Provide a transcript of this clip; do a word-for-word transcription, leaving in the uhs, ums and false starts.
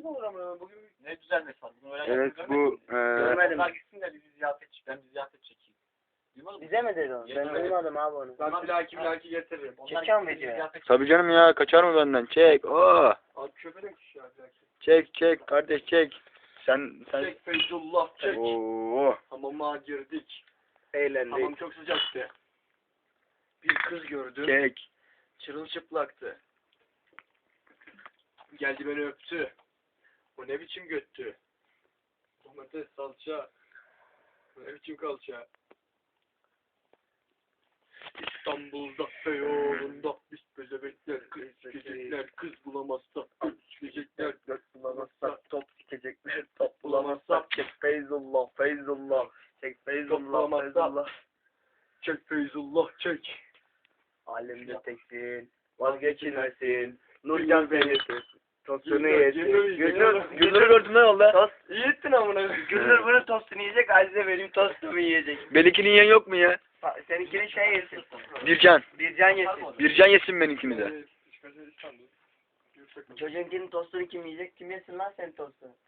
düzelmesi olur ama bugün ne düzelmesi var? Bunu öyle Evet bu eee görmedim. Onlar gitsin de bizi ziyaret çek. Ben bir ziyaret çekeyim. Duymadın mı? Bize mi dedi onu? Ben Yemin ederim. duymadım abi onu. Ben plaki plaki getiririm. Onlar Çekiyor mu gitsin, bizi video? ziyaret çek. tabii canım ya kaçar mı benden? Çek. Oo. Abi köpeğe kişi ya plaki. Çek çek kardeş çek. Sen sen Çek Feyzullah çek. Oo. Hamama girdik. Eğlendik. Hamam çok sıcaktı. Bir kız gördüm. Çek. Çırılçıplaktı. Geldi beni öptü. O ne biçim göttü. Domates salça. O ne biçim kalça. İstanbul'da Beyoğlu'nda biz bezebekler kız sikecekler kız bulamazsa kız sikecekler Göt bulamazsak top sikecekler, top bulamazsak çek Feyzullah, Feyzullah, çek Feyzullah, bulamazsak- Feyzullah. çek Feyzullah çek. Alemde teksin, vazgeçilmesin, Nurcan Feyzullah. Tostunu yesin. Gülür, Gülnur, gülür. Gülnur gördün mü yolda? Tost. İyi ettin amına. Gülnur bunun tostunu yiyecek, Azize benim tostumu yiyecek. Benimkini yiyen yok mu ya? Ha, Seninkini şey yesin. Bircan. Bircan yesin. Bircan yesin benimkini de. Çocuğunkinin tostunu kim yiyecek? Kim yesin lan senin tostunu?